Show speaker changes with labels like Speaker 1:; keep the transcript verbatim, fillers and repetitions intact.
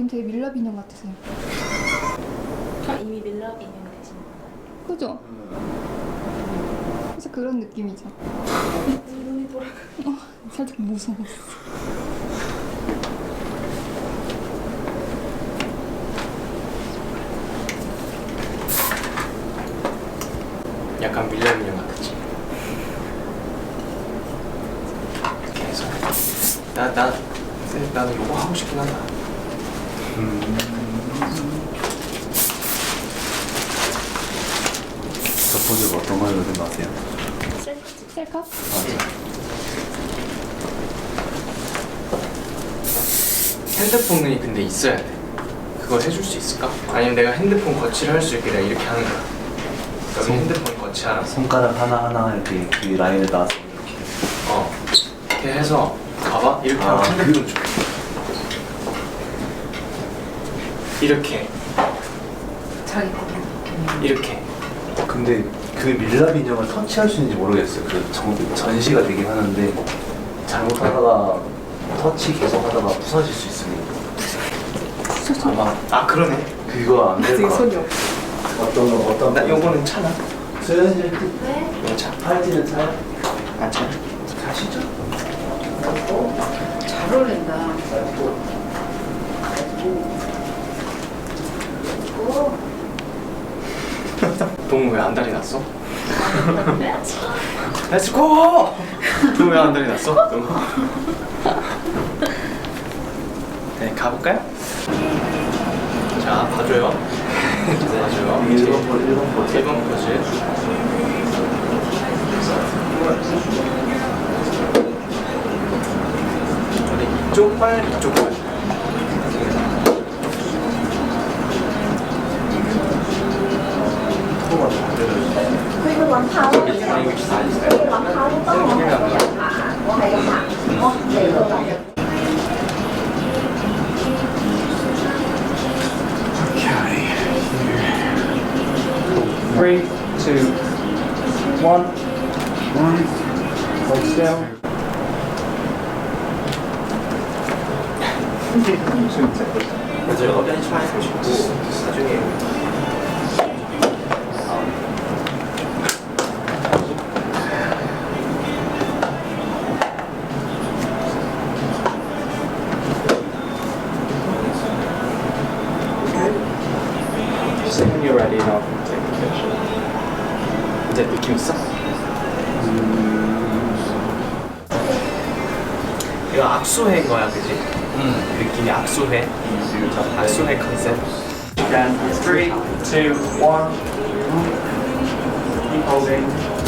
Speaker 1: 지금 되게 밀랍 인형 같으세요.
Speaker 2: 아, 이미 밀랍 인형이 되신 건가요?
Speaker 1: 그죠? 그래서 그런 느낌이죠.
Speaker 2: 눈이 돌아가.
Speaker 1: 어, 살짝 무서웠어.
Speaker 3: 약간 밀랍 인형 같았지. 이렇게 해서 나, 나, 나는 요거 하고 싶긴 하다.
Speaker 4: 음. 저 포즈가 어떤 걸로 생각하세요?
Speaker 2: 셀프.
Speaker 1: 셀카?
Speaker 4: 맞아.
Speaker 3: 핸드폰이 근데 있어야 돼. 그걸 해줄 수 있을까? 아니면 내가 핸드폰 거치를 할 수 있게 내가 이렇게 하는 거야. 여기
Speaker 4: 손-
Speaker 3: 핸드폰 거치하라.
Speaker 4: 손가락 하나하나 이렇게 그 라인을 놔서 이렇게.
Speaker 3: 어. 이렇게 해서 봐봐. 이렇게
Speaker 4: 아,
Speaker 3: 하면 핸드폰 줘. 이렇게.
Speaker 2: 자기 거.
Speaker 3: 이렇게.
Speaker 4: 근데 그 밀랍 인형을 터치할 수 있는지 모르겠어요. 그 전, 전시가 되긴 하는데 잘못하다가 터치 계속 하다가 부서질 수 있으니 아마
Speaker 3: 아 그러네.
Speaker 4: 그거 안 될 것 같아.
Speaker 2: 손이
Speaker 4: 어떤 거 어떤
Speaker 3: 나
Speaker 4: 거?
Speaker 3: 요거는 차나?
Speaker 4: 수현이
Speaker 2: 왜?
Speaker 3: 이거 차.
Speaker 4: 팔찌는 차요?
Speaker 3: 안 차.
Speaker 4: 가시죠.
Speaker 2: 잘 어울린다.
Speaker 3: 동우 왜 안달이 났어? 렛츠고! 동우 왜 안달이 났어? 동우. 네, 가볼까요? 자, 봐줘요. 봐줘요.
Speaker 4: 일 번 포즈, 일 번 포즈.
Speaker 3: 일 번 포즈. 우리 이쪽 팔, 이쪽 팔. Three, two, one. One. Hold still. 저희가 어떤 시간에 보시고 나중에 Just when you're ready, I'll take the picture. 이제 느낌 있어? 이거 악수회인 거야, 그지? 응. 느낌이 악수회. 악수회 컨셉. Then three, two, one. Keep holding.